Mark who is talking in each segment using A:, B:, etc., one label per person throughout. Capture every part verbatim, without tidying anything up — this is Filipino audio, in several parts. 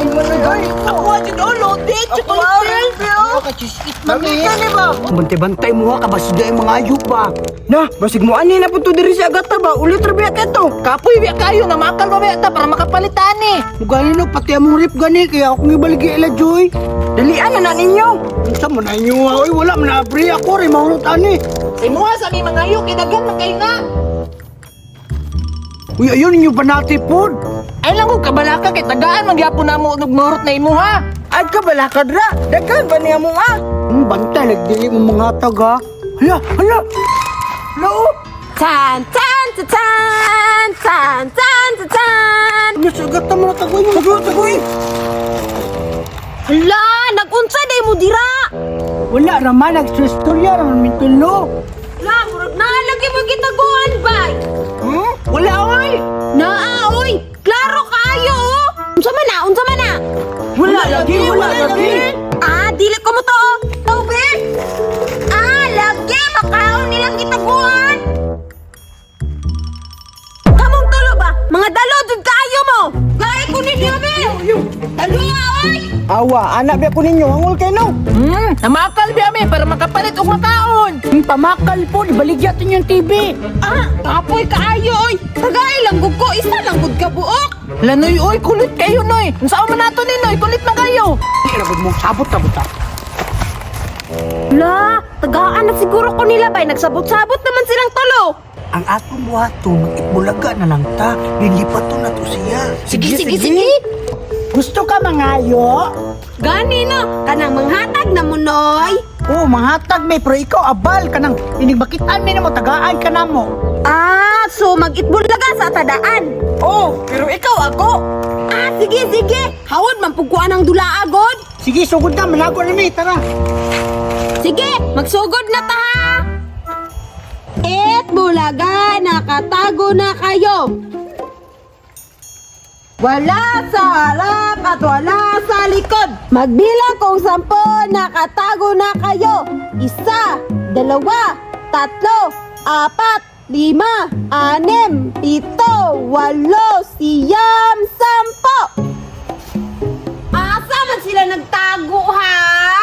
A: Ay, mo na yun.
B: Ako aja dulu, dit.
A: Ako
B: Chocolate
A: ka chisit mami.
B: Mamita ni ba?
C: Bantay-bantay mo ha, kabasig ay mga ayup ba? Na, basig mo ani na po to diri sa agata ba? Ulit rabiya ka to.
B: Kapoy biya kayo na makal ba biya ta para makapalitan ni.
C: Mugali no, pati among rip gani, kaya akong ibaligi ila Joy. Dalian na na ninyo. Unsa mo na inyo ha? Uy, wala man na abri ako rin, mahulot ani.
B: Sa imo sa mi mga yu kidagan man kay nga.
C: Uy, ayun ninyo banati pod.
B: Ay lang ko kabalaka kay tagaan man gyapon namo og murot na imo ha.
C: Ay ka bala kadra, daghan ba niya mo ah? Hmm, bantay, nagdili mo mga taga. Hala, hala. Hala oh.
D: Tan tan tan tan tan tan tan tan.
C: Nasagat na mo na tagoy mo. Tagoy, tagoy.
D: Hala, nagunsa day mo dira.
C: Wala raman, nagsistorya raman mintulo.
D: La, murag nalagi mo gitaguan bay.
C: Hmm? Wala oy.
D: Naa oy, klaro kayo oh. Unsa man na, unsa man na?
C: Wala lagi, wala lagi.
D: Ah, dili ko mo to. Tobe. Ah, lagi makaon nilang gitaguan. Kamong tulo ba? Mga dalo jud kayo mo. Gay ko ninyo be. Dalo nga oy.
C: Awa, anak biya ko ninyo, hangol kayo no.
B: Hmm, namakal biya mi para makapalit og makaon.
C: Hmm, pamakal po, ibaligyan yung T V.
D: Ah, kapoy kaayo oy. Tagay lang gud ko, isa lang gud ka buok.
B: Lanoy oy kulit kayo noy. Unsa man nato ni noy, kulit man kayo.
C: Kinabod mo, sabot-sabot ah.
D: La, tagaan na siguro ko nila bay, nagsabot-sabot naman silang tulo.
C: Ang atong buhato, mag-itbulaga na lang ta. Lilipat to na to siya.
D: Sige, sige, sige.
C: Gusto ka mangayo?
D: Gani no, kanang manghatag na mo noy.
C: Oo, manghatag may, pero ikaw abal ka nang inigbakitan mi na mo, tagaan ka na mo.
D: Ah, so mag-itbulaga sa tadaan.
C: Oo, pero ikaw ako.
D: Ah, sige, sige. Hawad man pugkuan ang dula agod.
C: Sige, sugod na, malago na mi, tara.
D: Sige, magsugod na ta. Et bulaga, nakatago na kayo. Wala sa harap at wala sa likod. Magbilang kung sampo, nakatago na kayo. Isa, dalawa, tatlo, apat, lima, anim, pito, walo, siyam, sampo. Asa man sila nagtago ha?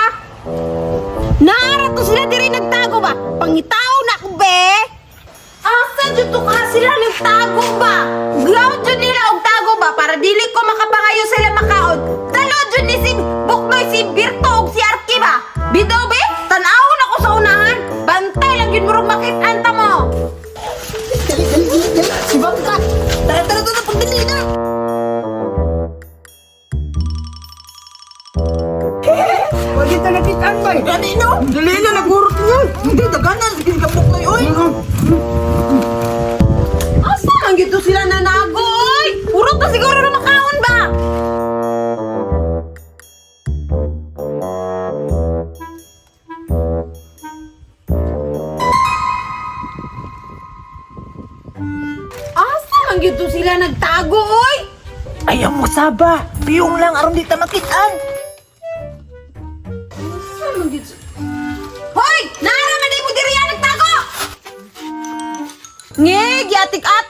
D: Naara to sila diri nagtago ba? Pangitaw na ko be? Asa dyan to ka sila nagtago ba? Ground dyan nila og tago ba? Para dili ko makapangayo sila makaon. Talo dyan ni si Buknoy, si Birto og si Arki ba? Bitaw be? Tanawon ako sa unahan. Bantay lang yun murong makitanta mo.
C: Dali, dali, dali, dali. Si Bangka.
D: Tara, tara, tara, pagdali na.
C: Huwag kita nakitaan ba eh.
B: Gani no? Dali na nagurot niyo. Hindi daganan sige gabok noy oy.
D: Asa man gito sila nanagoy? Urot na siguro na makaon ba? Asa man gito sila nagtago oy?
B: Ayaw mo saba. Piyong lang aron di ta makitaan.
D: Asa man gito? Hoy! Naara man di mo diri yan nagtago! Ngig, yatik at